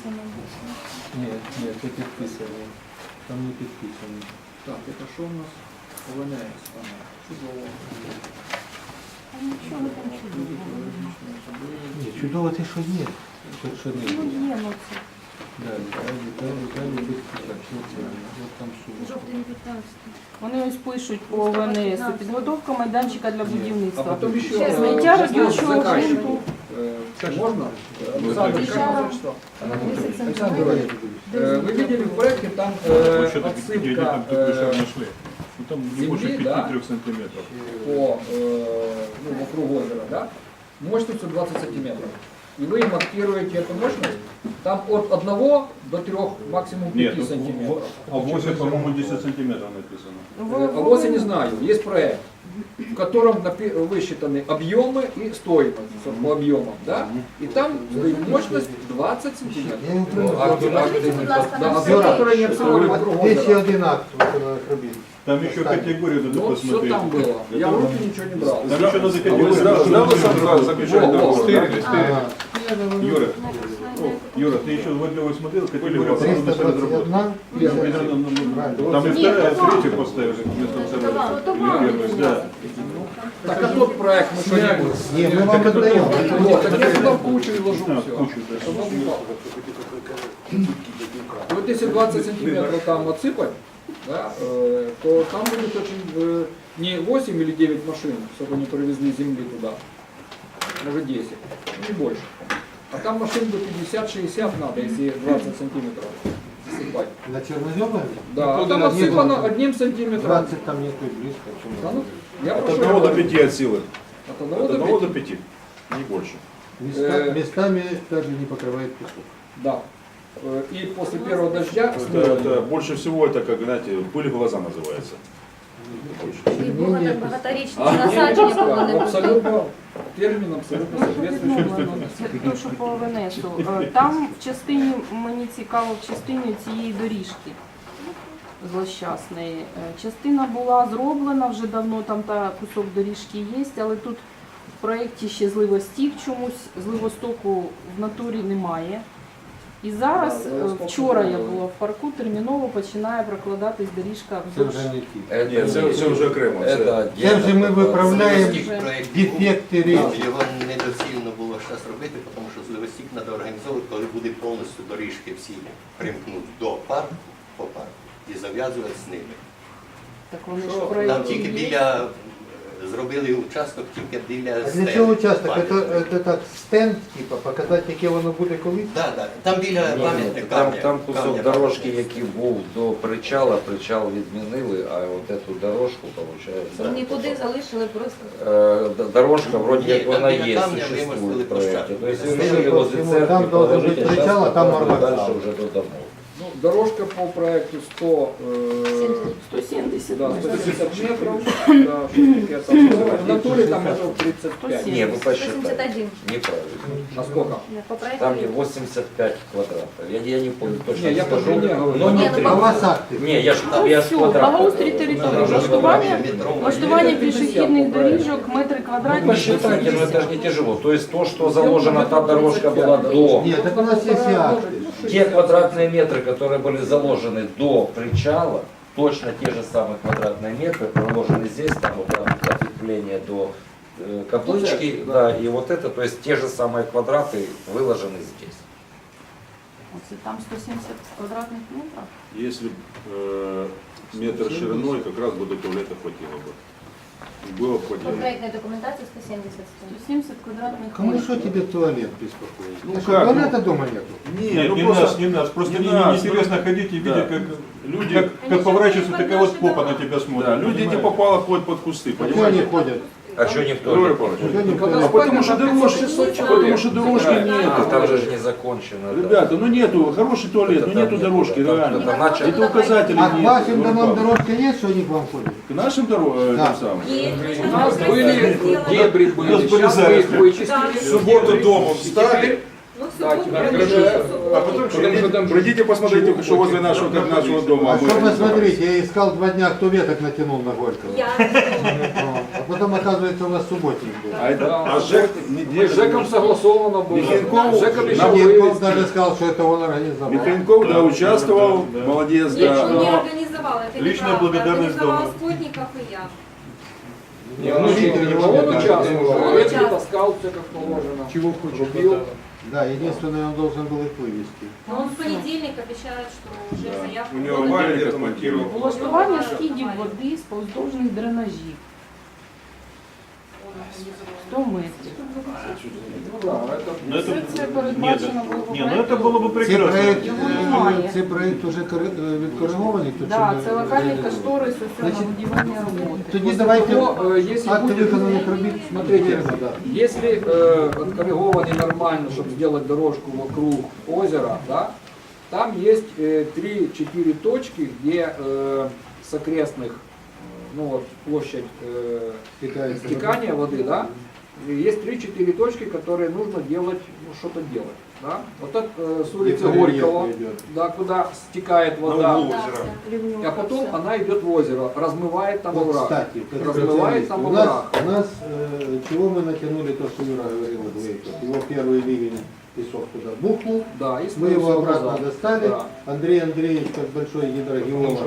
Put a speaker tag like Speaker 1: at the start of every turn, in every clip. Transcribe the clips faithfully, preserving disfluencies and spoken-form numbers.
Speaker 1: підписано.
Speaker 2: Ні, ні, це підписані. Там не підписані.
Speaker 3: Так, это что у нас? ОВНС. Ага, чудово.
Speaker 1: А нічого там чудового.
Speaker 2: Ні, чудово те, що є. Що, що не
Speaker 1: Ну
Speaker 2: є.
Speaker 1: є, ну це.
Speaker 2: Да, Віталій, Віталій, Віталій, безпечак. Що це? От там сума.
Speaker 1: Жовтий п'ятнадцятий. Вони ось пишуть по ОВНС. Підготовка майданчика для
Speaker 3: А
Speaker 1: будівництва.
Speaker 3: потом еще
Speaker 1: Ще
Speaker 3: э,
Speaker 1: зняття
Speaker 3: э,
Speaker 1: радіючого
Speaker 3: заканчивать.
Speaker 1: ґрунту.
Speaker 3: Э, Можно? Александр,
Speaker 1: Александр.
Speaker 3: как прочитал?
Speaker 1: десять
Speaker 3: Александр
Speaker 1: сантиметрів.
Speaker 3: Григорьевич, э, вы видели в проекте там э,
Speaker 4: Что-то где они
Speaker 3: отсыпка
Speaker 4: там такой шар
Speaker 3: э,
Speaker 4: нашли. Ну, там не
Speaker 3: земли,
Speaker 4: больше
Speaker 3: да?
Speaker 4: пяти-трёх сантиметров.
Speaker 3: по э, ну, вокруг озера, да? Мощностью двадцать сантиметров. И вы маркируете эту мощность, там от одного до трех, максимум
Speaker 4: Нет,
Speaker 3: пяти сантиметров.
Speaker 4: а восемь, по-моему, десять сантиметров написано.
Speaker 3: Э, А вот я не знаю, есть проект, в котором напи- высчитаны объемы и стоимость по объемам, да? И там стоит мощность двадцать сантиметров. Да, объем, который не обслуживает вокруг
Speaker 5: Де ще
Speaker 3: озера.
Speaker 5: один акт виконавчих робіт?
Speaker 4: Там еще категорию надо
Speaker 3: Ну, все
Speaker 4: посмотреть.
Speaker 3: там было. Я в руки ничего не брал.
Speaker 4: Там еще надо
Speaker 6: А вы
Speaker 4: категорию.
Speaker 6: сразу сразу сразу заключали
Speaker 3: Во, во,
Speaker 6: договор?
Speaker 4: Стырили, стырили.
Speaker 5: Ага.
Speaker 4: Юра, Юра, ты еще в отделе смотрел, категорию надо
Speaker 5: триста двадцять
Speaker 4: разработать.
Speaker 5: одна?
Speaker 4: Там и вторая, третью поставили вместо второй. Первый, да.
Speaker 3: Так а тот проект мы что-нибудь.
Speaker 5: Ні, ми вам віддаємо.
Speaker 3: Вот, так я туда в кучу и ложу
Speaker 4: А,
Speaker 3: все.
Speaker 4: кучу, да.
Speaker 3: Вот если двадцать сантиметров там отсыпать, да, э, то там будет очень э, не восемь или девять машин, чтобы они привезли земли туда, может десять, не больше. А там машин до пятьдесят-шестьдесят надо, если двадцать сантиметров засыпать.
Speaker 5: На Черноземове?
Speaker 3: Да, а
Speaker 5: Тут
Speaker 3: там
Speaker 5: на одни
Speaker 3: отсыпано
Speaker 5: двадцать.
Speaker 3: одним сантиметром.
Speaker 5: двадцать там нету и близко.
Speaker 3: Да, ну, я
Speaker 6: От
Speaker 3: про что
Speaker 6: одного до
Speaker 3: говорю.
Speaker 6: пяти от силы.
Speaker 3: От
Speaker 6: От
Speaker 3: одного до
Speaker 6: одного до
Speaker 3: пяти.
Speaker 6: пяти. Не больше.
Speaker 5: Места-
Speaker 3: Э,
Speaker 5: местами также не покрывает песок.
Speaker 3: Да. Э, И после первого дождя
Speaker 6: Это, это больше всего это, как, знаете, пыль в глаза называется. Больше.
Speaker 1: І було так багаторічне
Speaker 3: А,
Speaker 1: насадження було
Speaker 3: да,
Speaker 1: не
Speaker 3: абсолютно термин абсолютно соответствующий.
Speaker 1: Це те, що по ОВНСу. Е, Там в частині, мені цікаво, в частині цієї доріжки злощасної. Е, Частина була зроблена вже давно, там та кусок доріжки є, але тут в проєкті ще зливостік чомусь, зливостоку в натурі немає. І зараз,
Speaker 3: Да,
Speaker 1: е,
Speaker 3: зливосток
Speaker 1: вчора я
Speaker 3: зробили.
Speaker 1: була в парку, терміново починає прокладатись доріжка
Speaker 5: Це
Speaker 1: вздовж.
Speaker 5: вже не ті.
Speaker 6: Ні, це, це вже окремо. Це,
Speaker 5: Це вже ми виправляємо
Speaker 1: Це вже-
Speaker 5: дефекти річки.
Speaker 7: Його недоцільно було зараз робити, тому що зливостік треба організовувати, коли буде повністю доріжки всі примкнуть до парку, по парку і зав'язувати з ними.
Speaker 1: Так вони ж в
Speaker 3: Що?
Speaker 7: Там
Speaker 1: проєкті
Speaker 7: тільки
Speaker 1: є.
Speaker 7: біля, зробили участок тільки біля
Speaker 5: А
Speaker 7: стен.
Speaker 5: для цього участок? Це,
Speaker 7: Пам'ятника.
Speaker 5: це так стенд, типа, показати, яке воно буде колись?
Speaker 7: Да, да. Там біля
Speaker 8: Ні,
Speaker 7: пам'ятника.
Speaker 8: там,
Speaker 7: камня-
Speaker 8: там кусок
Speaker 7: камня
Speaker 8: дорожки,
Speaker 7: пам'ятника.
Speaker 8: який був до причала, причал відмінили, а от эту дорожку, виходить,
Speaker 1: Нікуди залишили просто.
Speaker 8: е, д- дорожка вроде
Speaker 7: Ні,
Speaker 8: як
Speaker 7: там
Speaker 8: вона
Speaker 7: біля
Speaker 8: є,
Speaker 7: камня
Speaker 8: существует
Speaker 7: вимостили
Speaker 8: в проекте.
Speaker 7: площадку.
Speaker 8: То есть
Speaker 7: Там
Speaker 8: решили возле
Speaker 5: там
Speaker 8: церкви
Speaker 5: должен
Speaker 8: положить,
Speaker 5: быть
Speaker 8: а сейчас
Speaker 5: причал, а там
Speaker 8: попробуем
Speaker 5: арбат.
Speaker 8: дальше уже до домов.
Speaker 3: Ну, дорожка по проекту сто, э,
Speaker 1: сто сімдесят.
Speaker 3: да, сто семьдесят метров, да, что-то там. В натуре там метров тридцать пять.
Speaker 8: Не, вы посчитали.
Speaker 1: сто сімдесят один.
Speaker 8: Неправильно.
Speaker 3: А сколько?
Speaker 1: По проекту
Speaker 8: Там где восемьдесят пять квадратов. Я, я не помню точно.
Speaker 3: Не, я
Speaker 8: скажу.
Speaker 3: по длине говорю.
Speaker 8: Но не
Speaker 1: Ні, ну,
Speaker 8: три.
Speaker 5: А у вас акти?
Speaker 8: Не, я ж,
Speaker 1: Ну,
Speaker 8: я ж
Speaker 1: всю,
Speaker 8: квадрат.
Speaker 1: благоустрій території, влаштування, влаштування пішохідних доріжок, метри
Speaker 8: Ну,
Speaker 1: квадратні.
Speaker 8: посчитайте, но это же не тяжело. То есть то, что заложено, та дорожка была до...
Speaker 5: Нет, так у нас есть и акты.
Speaker 8: Те квадратные метры, которые были заложены до причала, точно те же самые квадратные метры проложены здесь, там вот там ответвление до э, каплычки, да, и вот это, то есть те же самые квадраты выложены здесь.
Speaker 1: Оце там сто сімдесят квадратних метрів.
Speaker 6: Если б, э, метр шириной, как раз бы до туалета хватило бы. И было бы
Speaker 9: По
Speaker 6: хватило.
Speaker 9: проектной документации сто семьдесят
Speaker 1: сто сімдесят квадратних
Speaker 5: Кому
Speaker 1: метрів.
Speaker 5: что тебе туалет беспокоит?
Speaker 6: Ну
Speaker 5: Так
Speaker 6: как,
Speaker 5: туалета
Speaker 6: ну-
Speaker 5: дома нету?
Speaker 4: Нет,
Speaker 6: ну
Speaker 4: не
Speaker 6: просто-
Speaker 4: нас, не нас. Просто
Speaker 6: не
Speaker 4: не,
Speaker 6: нас,
Speaker 4: интересно
Speaker 6: ну,
Speaker 4: ходить и
Speaker 6: да.
Speaker 4: видеть, как
Speaker 6: Люди,
Speaker 4: как, как поворачиваются, такая вот попа на тебя
Speaker 6: да,
Speaker 4: смотрит.
Speaker 6: люди не
Speaker 4: понимаешь?
Speaker 6: попало ходят под кусты,
Speaker 5: Почему
Speaker 6: понимаете?
Speaker 5: они ходят?
Speaker 8: А что никто
Speaker 6: Григорий
Speaker 8: не
Speaker 6: Павлович,
Speaker 5: Почему никто
Speaker 3: Когда
Speaker 5: не
Speaker 6: А потому что дорожки,
Speaker 3: шестьсот
Speaker 6: потому что дорожки
Speaker 8: А,
Speaker 6: нет.
Speaker 8: там же ж не закончено. да.
Speaker 6: Ребята, ну нету, хороший туалет,
Speaker 8: Это
Speaker 6: ну
Speaker 8: там
Speaker 6: нету
Speaker 8: нет,
Speaker 6: дорожки,
Speaker 8: там-
Speaker 6: реально.
Speaker 8: это начали-
Speaker 6: Это указатели
Speaker 5: А к
Speaker 6: нет.
Speaker 5: вашим
Speaker 6: Григорий
Speaker 5: домам
Speaker 6: Павлович.
Speaker 5: дорожка есть, что они к вам ходят?
Speaker 6: К нашим дорогам,
Speaker 5: Да.
Speaker 6: тем самым.
Speaker 3: У нас были дебри, были, сейчас мы их вычистили.
Speaker 6: В субботу дома встали,
Speaker 3: Да, теперь уже,
Speaker 6: а потом пройдите, посмотрите, что возле нашего, как нашего дома.
Speaker 5: А что посмотрите, я искал два дня, кто веток натянул на Горького.
Speaker 9: Я.
Speaker 5: О, А там, оказывается, у вас субботник был.
Speaker 4: А, это,
Speaker 3: Да,
Speaker 4: а ЖЭК
Speaker 3: Мы
Speaker 4: неделю...
Speaker 3: с ЖЭКом согласовано было.
Speaker 4: Михенков-
Speaker 3: ЖЭК обещал
Speaker 5: Михенков
Speaker 3: вывести.
Speaker 5: даже сказал, что это он организовал.
Speaker 4: Михенков, да, участвовал,
Speaker 2: Да.
Speaker 4: молодец,
Speaker 9: Нет, он не
Speaker 4: да.
Speaker 9: организовал, это
Speaker 2: Личная
Speaker 9: неправда.
Speaker 2: благодарность
Speaker 9: Организовал
Speaker 2: дома.
Speaker 9: Скотников и я.
Speaker 5: Не,
Speaker 3: Ну,
Speaker 5: ну, Виктор
Speaker 3: он
Speaker 5: Иванович,
Speaker 3: участвовал,
Speaker 9: Он
Speaker 3: он
Speaker 9: участвовал.
Speaker 3: таскал все как положено.
Speaker 5: Чего хочешь,
Speaker 3: Рубил.
Speaker 5: Да, единственное, он должен был их вывести.
Speaker 9: Но он в понедельник обещает, что уже
Speaker 4: Да.
Speaker 9: заявку
Speaker 6: У него
Speaker 9: подали.
Speaker 6: авария
Speaker 4: Понедельник
Speaker 6: отмонтировал.
Speaker 1: Влаштування скидів води з повздовжних дренажів
Speaker 9: Он организовал.
Speaker 1: сто метрів.
Speaker 3: Ну да, это
Speaker 2: Ну, это,
Speaker 1: Все це
Speaker 2: нет,
Speaker 1: передбачено було
Speaker 2: не, ну это было бы
Speaker 5: Цей
Speaker 2: прекрасно.
Speaker 5: проект,
Speaker 1: Його
Speaker 5: е,
Speaker 1: немає.
Speaker 5: цей проект вже кори- е, відкоригований? тут
Speaker 1: Да,
Speaker 5: чи не
Speaker 1: це локальний
Speaker 5: реалізований?
Speaker 1: кошторис усього на
Speaker 5: Значить,
Speaker 1: будівельні роботи.
Speaker 5: Тоді давайте
Speaker 3: Но, э, если
Speaker 5: акти
Speaker 3: будет,
Speaker 5: виконаних робіт.
Speaker 3: смотрите,
Speaker 5: Да.
Speaker 3: если э, откоррегованный нормально, чтобы сделать дорожку вокруг озера, да, там есть э, три-четыре точки, где э, с окрестных, э, ну вот площадь э,
Speaker 5: Стікається
Speaker 3: стекания воды, да, и есть три-четыре точки, которые нужно делать, ну что-то делать, да. Вот так э, с улицы
Speaker 5: Где
Speaker 3: Горького,
Speaker 5: рельеф идет.
Speaker 3: да, куда стекает
Speaker 6: На
Speaker 3: вода,
Speaker 6: углу
Speaker 9: Да,
Speaker 6: озера.
Speaker 9: все.
Speaker 3: а потом она идет в озеро, размывает там
Speaker 5: Вот,
Speaker 3: овраг.
Speaker 5: кстати, как
Speaker 3: Размывает
Speaker 5: специалист,
Speaker 3: там
Speaker 5: у нас,
Speaker 3: овраг.
Speaker 5: у нас э, чего мы натянули, то, что Юра говорил, Глейков. Его первый ливень песок туда бухнул,
Speaker 3: Да, и
Speaker 5: мы его
Speaker 3: всё
Speaker 5: обратно
Speaker 3: назад.
Speaker 5: достали.
Speaker 3: Да.
Speaker 5: Андрей Андреевич, как большой гидрогеолог,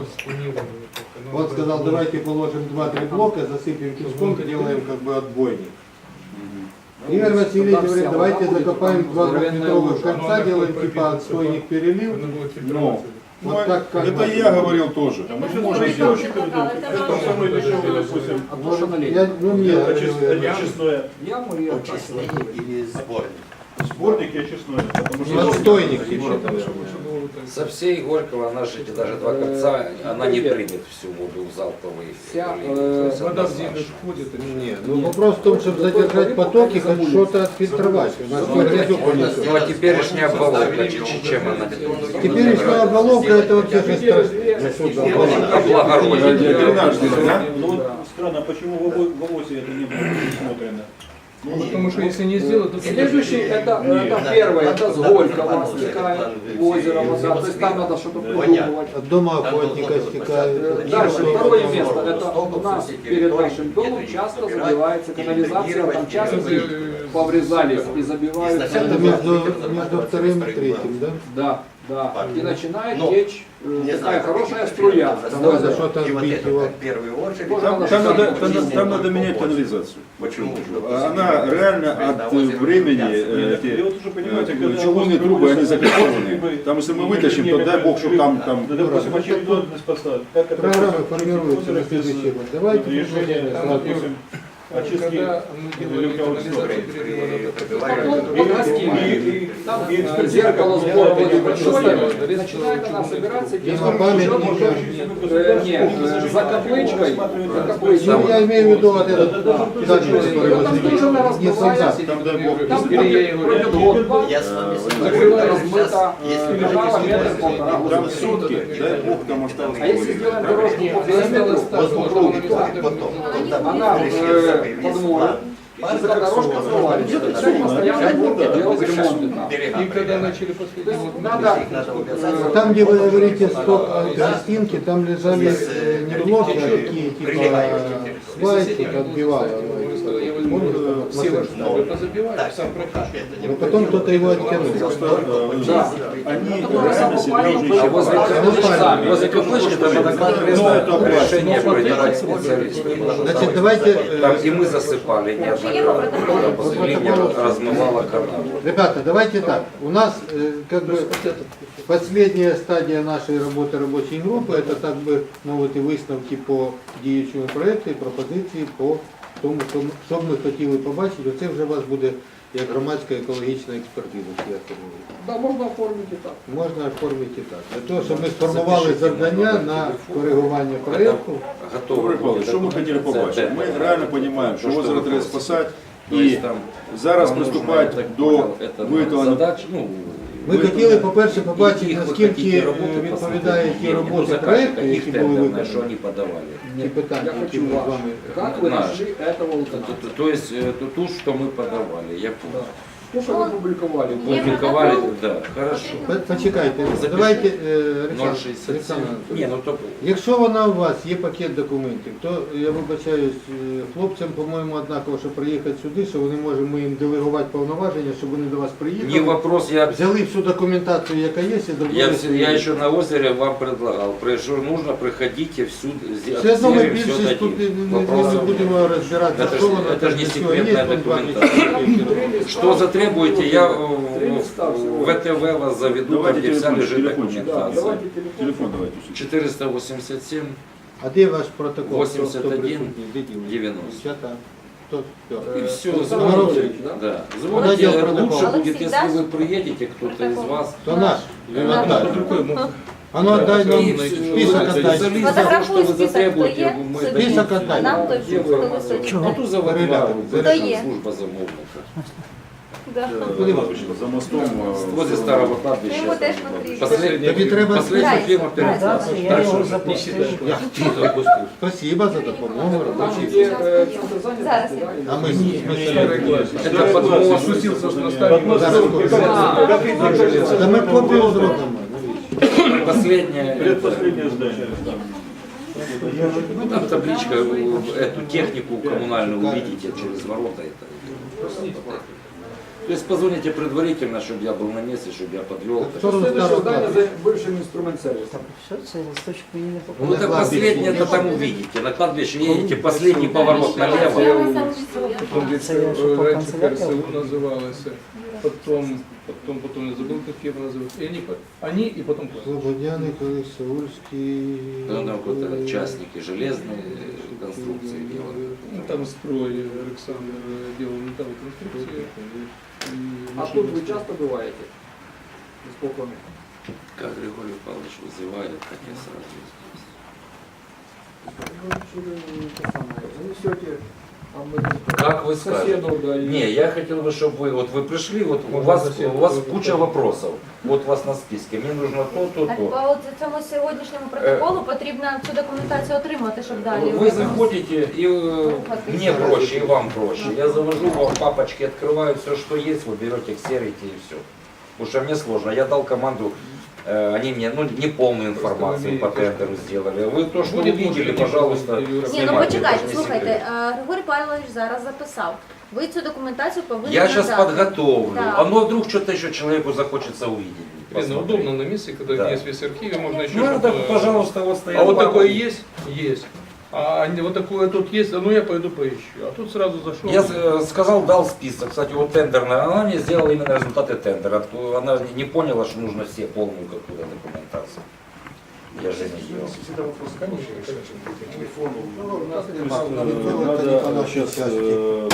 Speaker 5: он сказал, давайте положим два-три блока, засыпем песком, сделаем как бы отбойник. Игорь Васильевич
Speaker 3: Туда
Speaker 5: говорит,
Speaker 3: вся
Speaker 5: давайте
Speaker 3: вода будет,
Speaker 5: закопаем
Speaker 3: там
Speaker 5: два
Speaker 3: здоровенная
Speaker 5: двухметровых
Speaker 3: лужа.
Speaker 5: конца, делаем типа отстойник перелив.
Speaker 4: Ну,
Speaker 5: Вот так как
Speaker 4: это
Speaker 5: мы-
Speaker 4: и я говорил тоже.
Speaker 2: А мы
Speaker 9: Это
Speaker 2: сейчас
Speaker 9: не
Speaker 2: можем
Speaker 9: локал,
Speaker 2: сделать.
Speaker 9: это локал, это
Speaker 2: Это
Speaker 9: наш.
Speaker 2: самое дешевое, допустим.
Speaker 3: А то, что на
Speaker 5: Я,
Speaker 3: летнем.
Speaker 5: ну, мне
Speaker 2: Очис-
Speaker 5: говорили,
Speaker 2: Очистное.
Speaker 3: Яму и
Speaker 7: Очисний или зборник.
Speaker 2: Сборник и очистное. Потому
Speaker 5: ну, отстойник типа.
Speaker 8: Со всей Горького, она же эти даже два конца, она не примет всю воду в залповый.
Speaker 3: Вся,
Speaker 8: линию.
Speaker 3: э,
Speaker 8: То есть она
Speaker 5: Вода
Speaker 8: наша.
Speaker 5: Нет, ну вопрос в том, чтобы задержать потоки, хоть что-то отфильтровать. У нас
Speaker 8: Ну,
Speaker 5: грязюку
Speaker 8: Ну а
Speaker 5: несет.
Speaker 8: теперешняя оболочка, ч- чем она?
Speaker 5: Теперешняя оболовка это вообще же страшно.
Speaker 8: Облагородить.
Speaker 4: Дренажный, да?
Speaker 2: Ну вот странно, почему в ово- в ОВОСе это не было предусмотрено?
Speaker 7: Потому что если не сделать, то...
Speaker 3: Следующий, это,
Speaker 2: Нет.
Speaker 3: это первое, это с Горького стекает в озеро вода, то есть там надо что-то придумывать.
Speaker 5: От дома охотника стекает.
Speaker 3: Э, Дальше, второе место, это у нас перед нашим домом часто забивается канализация, там часто поврезались и забивают.
Speaker 5: Это между, между вторым и третьим, да?
Speaker 3: Да, да. И начинает
Speaker 7: Ну,
Speaker 3: течь э,
Speaker 7: Не
Speaker 3: такая
Speaker 7: знаю,
Speaker 3: хорошая струя.
Speaker 5: Там надо что-то
Speaker 7: И вот
Speaker 5: сбить
Speaker 7: это
Speaker 5: его.
Speaker 7: как в первую очередь.
Speaker 3: Можно
Speaker 4: Там, там надо, там, надо- там надо менять канализацию.
Speaker 7: Почему?
Speaker 4: Она реально от э, времени, э,
Speaker 2: И
Speaker 4: эти,
Speaker 2: вот уже понимаете,
Speaker 4: э,
Speaker 2: когда
Speaker 4: чугунные
Speaker 2: у вас
Speaker 4: трубы, они
Speaker 2: проводится
Speaker 4: закольцованы.
Speaker 2: либо-
Speaker 4: Там, если мы
Speaker 2: либо
Speaker 4: вытащим, то
Speaker 2: либо
Speaker 4: дай бог, чтобы там,
Speaker 2: либо-
Speaker 4: там
Speaker 2: Да, допустим,
Speaker 5: Юра,
Speaker 2: очередность поставить. Как это
Speaker 5: Программа
Speaker 2: допустим,
Speaker 5: формируется на
Speaker 2: озеро без,
Speaker 5: следующий год. Давайте
Speaker 2: решения,
Speaker 5: посмотрим.
Speaker 2: там, допустим, очистки
Speaker 3: Там э, зеркало сбора воды большое, и начинает она собираться, и
Speaker 5: на память
Speaker 3: э, нет, э, за каплычкой, за каплычкой.
Speaker 5: Ну, я имею в виду вот этот дальний, который
Speaker 3: Там
Speaker 5: возле
Speaker 3: тоже она
Speaker 5: не
Speaker 3: размывается,
Speaker 5: солдат.
Speaker 4: там дай бог.
Speaker 3: там пройдет год-два,
Speaker 7: Я с вами
Speaker 3: закрыто,
Speaker 7: согласен.
Speaker 3: размыто,
Speaker 7: Если
Speaker 3: канала метр-полтора.
Speaker 4: Там сутки, дай бог, там осталось.
Speaker 3: А если сделаем дорожку по периметру, по кругу,
Speaker 7: Так, потом.
Speaker 3: она э, подмоет, и за дорожка смывается. Тогда постоянно будем делать ремонты там.
Speaker 7: И когда начали
Speaker 3: То есть надо, э,
Speaker 5: Там, где вы говорите сток гостинки, там лежали э, не блоки, а такие типа свайки, отбивало.
Speaker 7: Так, это
Speaker 5: Но
Speaker 7: не
Speaker 5: потом кто-то его оттянул.
Speaker 3: да.
Speaker 4: Они
Speaker 3: Которые
Speaker 4: реально себя
Speaker 3: самопальные
Speaker 4: уже
Speaker 8: А возле каплычки, возле каплычки там надо конкретное
Speaker 4: Ну,
Speaker 8: решение принимать специалистов.
Speaker 5: Значит, давайте, э,
Speaker 8: Там и мы засыпали неоднократно, когда после линия размывала канал.
Speaker 5: ребята, давайте так. У нас э, как бы последняя стадия нашей работи робочої групи, це так би мовити висновки по діючому проєкту і пропозиції по тому, що ми- що б ми хотіли побачити. Оце вже у вас буде як громадська екологічна експертиза, як я це говорю.
Speaker 3: Да, можно оформить и так.
Speaker 5: Можна оформити і так. Для того, щоб ми сформували завдання на коригування проєкту.
Speaker 4: Добрый Павлович, что мы хотели побачить? Мы реально понимаем, что озеро треба спасать,
Speaker 8: И
Speaker 4: и
Speaker 8: там
Speaker 4: зараз
Speaker 8: нам нужно, я
Speaker 4: приступать
Speaker 8: так
Speaker 4: до
Speaker 8: понял, это
Speaker 4: виготовлення.
Speaker 8: задач, ну,
Speaker 5: Ми хотіли, по-перше, побачити,
Speaker 8: яких ви
Speaker 5: наскільки
Speaker 8: хотите
Speaker 5: е,
Speaker 8: роботи
Speaker 5: відповідає ті
Speaker 8: посмотреть,
Speaker 5: роботи
Speaker 8: заказчика,
Speaker 5: проєкту,
Speaker 8: каких
Speaker 5: які були
Speaker 8: тендерных, что
Speaker 5: виконані.
Speaker 8: они подавали.
Speaker 5: Ті питання,
Speaker 3: Я
Speaker 5: які
Speaker 3: хочу
Speaker 5: ми з
Speaker 3: ваше.
Speaker 5: вами.
Speaker 3: Как вы
Speaker 8: Наш.
Speaker 3: нашли этого
Speaker 8: То,
Speaker 3: указателя?
Speaker 8: то- то есть э, ту, ту, что мы подавали, я понял.
Speaker 3: То, что вы публиковали.
Speaker 8: Публиковали, да, хорошо.
Speaker 5: По- Почекайте,
Speaker 8: Запиши.
Speaker 5: давайте, е, Олександр,
Speaker 8: ноль шістдесят сім.
Speaker 5: Олександр Анатолійович.
Speaker 8: Ні, ну то
Speaker 5: Якщо вона у вас є пакет документів, то я вибачаюсь е, хлопцям, по-моєму, однаково, що приїхати сюди, що вони можемо ми їм делегувати повноваження, щоб вони до вас
Speaker 8: не
Speaker 5: приїхали,
Speaker 8: вопрос, я
Speaker 5: взяли всю документацію, яка є, і зробили.
Speaker 8: Я, вс-
Speaker 5: свої.
Speaker 8: я еще на озере вам предлагал, при- что нужно, приходите всюду,
Speaker 5: Все одно ми
Speaker 8: все
Speaker 5: більшість тут не, не, не,
Speaker 8: Вопрос.
Speaker 5: не будемо розбиратися,
Speaker 8: Это
Speaker 5: що
Speaker 8: ж-
Speaker 5: воно
Speaker 8: это ж не
Speaker 5: для цього
Speaker 8: секретная
Speaker 5: є, там два
Speaker 8: документация.
Speaker 5: місяці.
Speaker 8: Что затребуете, я в
Speaker 3: Три
Speaker 8: в-
Speaker 3: листа всего.
Speaker 8: в ВТВ вас заведу, там
Speaker 6: Давайте
Speaker 8: где вся
Speaker 6: телефон,
Speaker 8: лежит
Speaker 6: телефончик.
Speaker 3: Да,
Speaker 8: документация.
Speaker 3: давайте телефон.
Speaker 6: Телефон давайте.
Speaker 8: четыреста восемьдесят семь
Speaker 5: А де ваш протокол?
Speaker 8: восемьдесят
Speaker 5: Хто- хто
Speaker 8: один
Speaker 5: присутній? Де діло?
Speaker 8: девяносто.
Speaker 5: Дівчата, хто? Хто?
Speaker 8: И все,
Speaker 3: Александр
Speaker 8: звоните.
Speaker 3: Анатольевич, да?
Speaker 8: Да.
Speaker 5: Отдел
Speaker 8: Звоните,
Speaker 5: протокола.
Speaker 8: лучше будет,
Speaker 9: Алексей,
Speaker 8: если
Speaker 9: да?
Speaker 8: вы приедете, кто-то из
Speaker 9: Протокол.
Speaker 8: вас.
Speaker 5: То наш.
Speaker 9: Да.
Speaker 5: Отдай. А ну отдай нам
Speaker 8: И
Speaker 5: список отдай.
Speaker 8: специалист за то, что
Speaker 9: Фотографуй
Speaker 8: вы
Speaker 9: список,
Speaker 8: затребуете,
Speaker 9: кто є,
Speaker 8: мы
Speaker 9: собі.
Speaker 8: дадим.
Speaker 5: Список отдай.
Speaker 9: Нам той,
Speaker 8: Где
Speaker 9: хто
Speaker 8: вы
Speaker 9: височить.
Speaker 8: Ну, тут заводила,
Speaker 5: Передати.
Speaker 8: высшая
Speaker 9: є.
Speaker 8: служба замовника.
Speaker 9: Да.
Speaker 5: Куди ви?
Speaker 6: За мостом. э,
Speaker 8: Возле старого
Speaker 9: Ми
Speaker 8: кладбища.
Speaker 9: його теж потрібно.
Speaker 8: Последняя,
Speaker 5: Тобі треба
Speaker 8: последняя
Speaker 9: Здрасте.
Speaker 8: фирма перед
Speaker 9: Здрасте.
Speaker 8: нас.
Speaker 10: Я
Speaker 8: Так
Speaker 10: його
Speaker 8: что
Speaker 10: запустив.
Speaker 5: Я Спасибо за допомогу.
Speaker 3: Там,
Speaker 5: робочий.
Speaker 3: где э, центр занятости,
Speaker 9: Зараз
Speaker 3: да, или-
Speaker 5: А ми з
Speaker 8: это подмост.
Speaker 3: Спустился с моста.
Speaker 5: Та ми копію зробимо.
Speaker 8: Последняя.
Speaker 6: Предпоследнее здание.
Speaker 8: Ну, там табличка, э, эту технику коммунальную увидите через ворота. Это. То есть позвоните предварительно, чтобы я был на месте, чтобы я подвел.
Speaker 5: Так что
Speaker 3: Следующее
Speaker 5: старого
Speaker 3: здание
Speaker 5: кладбища?
Speaker 3: за бывшим инструмент сервисом.
Speaker 10: Все, це листочку її не
Speaker 8: Ну
Speaker 10: попало.
Speaker 8: это
Speaker 5: На кладбище.
Speaker 8: последнее, это там увидите. На кладбище едете, последний поворот налево.
Speaker 2: Потом где
Speaker 10: Це я що по
Speaker 2: раньше
Speaker 10: канцелярії?
Speaker 2: КРСУ называлось, потом, потом, потом я забыл, как его называют. И они, по- они и потом
Speaker 5: Слободяний, Колись, Саульський.
Speaker 8: Ну, там вот это частники железные конструкции делают.
Speaker 2: Ну, там строй Александр э, делал металловые конструкции. И
Speaker 3: А
Speaker 2: машины
Speaker 3: тут вы
Speaker 2: строят.
Speaker 3: часто бываете? Сколько?
Speaker 8: Как Григорий Павлович вызывает, так я сразу здесь.
Speaker 3: Занесете, а мы
Speaker 8: Как вы скажете?
Speaker 3: соседу, да, и-
Speaker 8: Не, я хотел бы, чтобы вы, вот вы пришли, вот у вас, у вас куча вопросов. Вот у вас на списке. Мне нужно то, то,
Speaker 9: А
Speaker 8: то.
Speaker 9: по от цьому сьогоднішньому протоколу потрібно цю документацію отримати, щоб далі.
Speaker 8: Вы заходите, и э, мне проще, и вам проще. Я завожу вам папочки, открываю все, что есть, вы берете, ксерите и все. Потому что мне сложно. Я дал команду, э, они мне ну, не полную информацию по тендеру сделали. Вы то, что
Speaker 2: Будет
Speaker 8: увидели,
Speaker 2: можно,
Speaker 8: пожалуйста,
Speaker 2: Юра.
Speaker 9: Ні, ну
Speaker 8: снимайте.
Speaker 9: почекайте,
Speaker 8: это же не
Speaker 9: слухайте,
Speaker 8: секрет.
Speaker 9: е, Григорій Павлович зараз записав. Ви цю документацію повинні
Speaker 8: Я сейчас
Speaker 9: надати.
Speaker 8: подготовлю.
Speaker 9: Да.
Speaker 8: А ну вдруг что-то еще человеку захочется увидеть.
Speaker 2: Блин, ну
Speaker 8: посмотреть.
Speaker 2: удобно на месте, когда
Speaker 8: Да.
Speaker 2: есть весь архив, можно еще
Speaker 8: Ну,
Speaker 2: что-то-
Speaker 8: это, пожалуйста, вот стоят
Speaker 2: А вот
Speaker 8: папы.
Speaker 2: такое есть? Есть. А не- вот такое тут есть, а ну я пойду поищу. А тут сразу зашел.
Speaker 8: Я э, сказал, дал список. Кстати, вот тендерная, она мне сделала именно результаты тендера. Она не поняла, что нужно все полную какую-то документацию. Я же не делал.
Speaker 6: Надо сейчас э,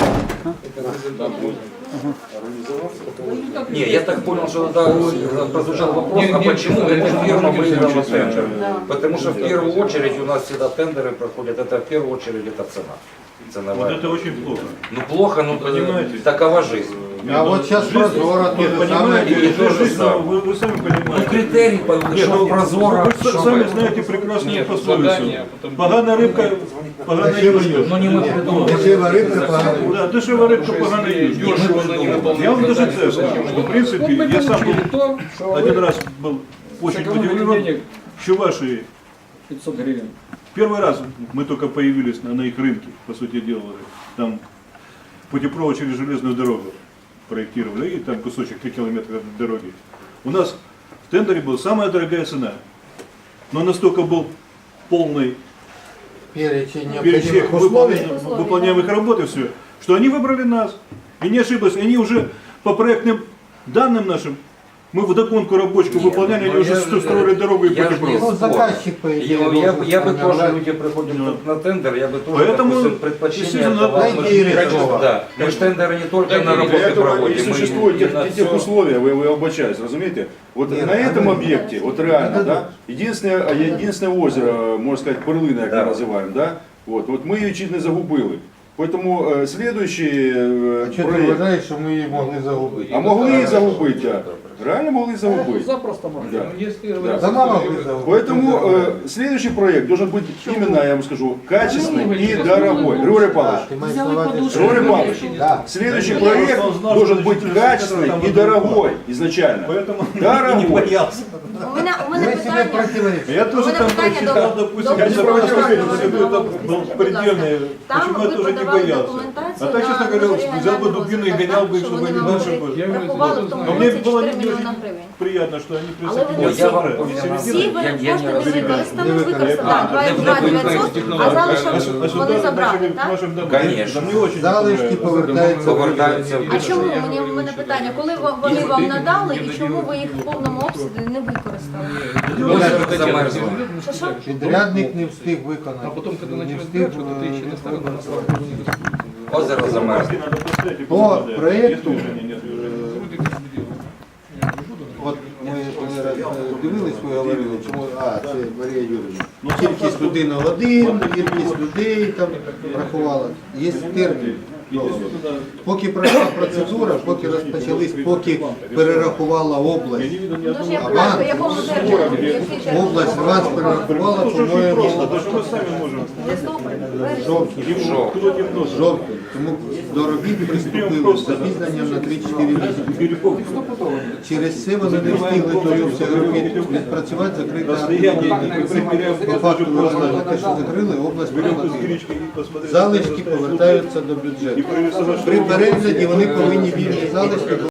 Speaker 8: Не, я так понял, что тогда прозвучал вопрос,
Speaker 2: Не,
Speaker 8: а
Speaker 2: не,
Speaker 8: почему
Speaker 2: не,
Speaker 8: эта
Speaker 2: не,
Speaker 8: фирма
Speaker 2: не, не,
Speaker 8: выиграла
Speaker 2: не,
Speaker 8: тендер?
Speaker 1: Да.
Speaker 8: Потому что в первую очередь у нас всегда тендеры проходят, это в первую очередь это цена.
Speaker 6: вот
Speaker 8: Ценовая.
Speaker 6: это очень плохо.
Speaker 8: Ну плохо, ну
Speaker 6: Понимаете?
Speaker 8: такова жизнь.
Speaker 5: А вот сейчас прозоро то
Speaker 6: Нет,
Speaker 5: же самое.
Speaker 6: понимаете,
Speaker 8: и то же
Speaker 6: жизнь,
Speaker 8: самое.
Speaker 6: вы, вы сами
Speaker 8: Ну
Speaker 6: понимаете.
Speaker 8: критерий,
Speaker 6: Нет,
Speaker 8: что
Speaker 6: ну,
Speaker 8: прозоро,
Speaker 6: вы
Speaker 8: что
Speaker 6: сами
Speaker 8: вы-
Speaker 6: знаете прекрасную
Speaker 2: Нет,
Speaker 6: пословицу.
Speaker 2: задание, а потом-
Speaker 6: Погана рыбка, погана
Speaker 5: Дешево
Speaker 6: юшка.
Speaker 5: юшка.
Speaker 8: Ну не мы придумали.
Speaker 5: Дешево рыбка, погана юшка.
Speaker 6: Да, дешева рыбка, погана юшка.
Speaker 2: Дешево, но не выполнено.
Speaker 6: Я вам даже
Speaker 2: Задание,
Speaker 6: це
Speaker 2: зачем
Speaker 6: скажу,
Speaker 2: оно
Speaker 6: что в принципе
Speaker 3: Вот мы
Speaker 6: я сам
Speaker 3: получили
Speaker 6: был
Speaker 3: то, что
Speaker 6: один
Speaker 3: вы
Speaker 6: раз был очень
Speaker 3: сэкономили
Speaker 6: удивлен,
Speaker 3: денег
Speaker 6: что ваши
Speaker 3: пятьсот гривен.
Speaker 6: первый раз мы только появились на, на их рынке, по сути дела, там путепровод через железную дорогу проектировали, и там кусочек три километра дороги. У нас в тендере была самая дорогая цена, но настолько был полный
Speaker 5: Перечень
Speaker 6: перечень
Speaker 5: необходимых условий.
Speaker 6: выполня- выполняемых работ и все, что они выбрали нас. И не ошиблись, они уже по проектным данным нашим, мы вдогонку рабочку
Speaker 8: Нет,
Speaker 6: выполняли,
Speaker 8: ну
Speaker 6: они уже
Speaker 8: я
Speaker 6: что
Speaker 8: же-
Speaker 6: строили дорогу и
Speaker 8: я же не
Speaker 6: путепровод.
Speaker 5: Ну, заказчик, по идее,
Speaker 8: Я, я,
Speaker 5: должен
Speaker 8: я бы тоже,
Speaker 5: сформировать.
Speaker 8: люди приходят
Speaker 6: Ну.
Speaker 8: на тендер, я бы тоже,
Speaker 6: Поэтому,
Speaker 8: допустим, предпочтение
Speaker 6: естественно,
Speaker 8: отдавал.
Speaker 5: дайте
Speaker 8: Мы
Speaker 5: ей
Speaker 8: ж-
Speaker 5: решение.
Speaker 8: да, мы же тендеры не только
Speaker 2: Дайте
Speaker 8: на
Speaker 2: ей
Speaker 8: работы
Speaker 11: Для этого
Speaker 8: проводим,
Speaker 11: и
Speaker 8: мы
Speaker 11: существуют
Speaker 8: и
Speaker 11: тех,
Speaker 8: на
Speaker 11: тех
Speaker 8: всё.
Speaker 11: условия, вы, вы обучаетесь, разумеете? Вот
Speaker 5: Нет,
Speaker 11: на этом
Speaker 5: надо-
Speaker 11: объекте, вот реально,
Speaker 5: надо-
Speaker 11: да, единственное, а единственное озеро, можно сказать, перлина, як
Speaker 8: Да.
Speaker 11: ми називаємо, да, вот, вот ми її чуть не загубили. Поэтому э, следующий э,
Speaker 5: А що ти
Speaker 11: проект,
Speaker 5: вважаєш, що ми її могли загубити?
Speaker 11: а могли її загубити, да. Реально могли загубить.
Speaker 3: Запросто можно.
Speaker 11: Да.
Speaker 2: Ну, если
Speaker 11: Да.
Speaker 2: говорить,
Speaker 5: Дома
Speaker 2: что-
Speaker 5: могли загубить.
Speaker 11: Поэтому э, следующий проект должен быть именно, я вам скажу, качественный и дорогой. Григорий
Speaker 5: Да,
Speaker 11: Павлович,
Speaker 5: ты маешь
Speaker 1: Взяли
Speaker 5: на увазі,
Speaker 1: подушку.
Speaker 5: що-
Speaker 11: Григорий Павлович,
Speaker 5: Да.
Speaker 11: следующий
Speaker 6: Да,
Speaker 11: проект
Speaker 6: я просто знал,
Speaker 11: должен
Speaker 6: что
Speaker 11: быть
Speaker 6: через
Speaker 11: качественный
Speaker 6: там
Speaker 11: и
Speaker 6: вот
Speaker 11: дорогой изначально.
Speaker 6: Поэтому не
Speaker 11: Дорогой.
Speaker 6: боялся.
Speaker 9: У мене, у мене
Speaker 5: Ми себе
Speaker 9: питання.
Speaker 5: противоречимо.
Speaker 6: Я тоже
Speaker 9: мене
Speaker 6: там
Speaker 9: питання
Speaker 6: прочитал,
Speaker 9: до-
Speaker 6: допустим,
Speaker 9: до
Speaker 6: я не
Speaker 9: Павла
Speaker 6: просто
Speaker 9: Павловича.
Speaker 6: это был предельный,
Speaker 9: Там
Speaker 6: почему я
Speaker 9: ви
Speaker 6: тоже не
Speaker 9: подавали
Speaker 6: боялся.
Speaker 9: документацію
Speaker 6: А так, честно
Speaker 9: на
Speaker 6: говоря,
Speaker 9: регіональний
Speaker 6: взял бы дубину и
Speaker 9: розвиток,
Speaker 6: гонял бы,
Speaker 9: так,
Speaker 6: чтобы
Speaker 9: що
Speaker 6: они
Speaker 9: вони
Speaker 6: дальше
Speaker 9: вам
Speaker 6: бы.
Speaker 2: Я говорю,
Speaker 9: рахували в тому
Speaker 6: Но мне
Speaker 9: році
Speaker 6: было
Speaker 9: чотири
Speaker 6: не
Speaker 9: мільйона
Speaker 6: очень
Speaker 9: гривень.
Speaker 6: приятно, что они
Speaker 9: Але ви
Speaker 6: присоединились.
Speaker 9: всі-
Speaker 8: Я вам
Speaker 6: Середина.
Speaker 8: повинен
Speaker 9: Всі
Speaker 8: Я-
Speaker 9: ви
Speaker 8: я не
Speaker 9: кошти не
Speaker 8: розумію.
Speaker 9: використали,
Speaker 5: Не
Speaker 9: використали,
Speaker 8: А,
Speaker 9: два
Speaker 8: не
Speaker 9: два
Speaker 8: використали.
Speaker 9: дев'ятсот, а залишок
Speaker 6: А сюда
Speaker 9: вони забрали,
Speaker 6: начали
Speaker 9: так?
Speaker 6: нашим домам.
Speaker 8: Конечно.
Speaker 6: Мне очень
Speaker 5: Залишки
Speaker 6: понравилось.
Speaker 5: повертаються.
Speaker 8: Повертаються в
Speaker 9: А чому? Мені в мене питання, коли ва- вони вам надали і чому ви їх в повному обсязі не використали?
Speaker 8: Озеро замерзло.
Speaker 9: Що що?
Speaker 5: Підрядник не встиг виконати.
Speaker 2: А потом, когда
Speaker 5: не
Speaker 2: начнет
Speaker 5: встиг,
Speaker 2: дальше, то ты еще
Speaker 5: е,
Speaker 2: не стало
Speaker 5: виконати.
Speaker 8: Озеро замерзло.
Speaker 6: Надо поставить и
Speaker 5: По
Speaker 6: потом
Speaker 5: проекту,
Speaker 6: если движения нет движения.
Speaker 5: от ми коли раз, е, дивились, ви говорили, чому, а, це Марія Юрійовна. Ну, кількість людей на один, кількість людей там рахувала. Є термін. Поки пройшла процедура, поки розпочались, поки перерахувала область.
Speaker 6: Я не видел ни
Speaker 9: Ну ж я
Speaker 6: одного.
Speaker 9: питаю, по якому терміну? Який термін?
Speaker 5: Область вас перерахувала,
Speaker 6: Просто
Speaker 5: по-моєму,
Speaker 6: мы сами можем.
Speaker 9: Листопад, вересень.
Speaker 5: жовтні.
Speaker 8: Жовтні.
Speaker 6: Кто темно,
Speaker 5: Жовтні. Тому до робіт приступили з запізненням на три-чотири місяці. Через це вони не встигли той обсяг робіт відпрацювати, закрита по факту виробили те, що закрили, область проплатила. Залишки повертаються до бюджету. При перегляді вони повинні вільні залишки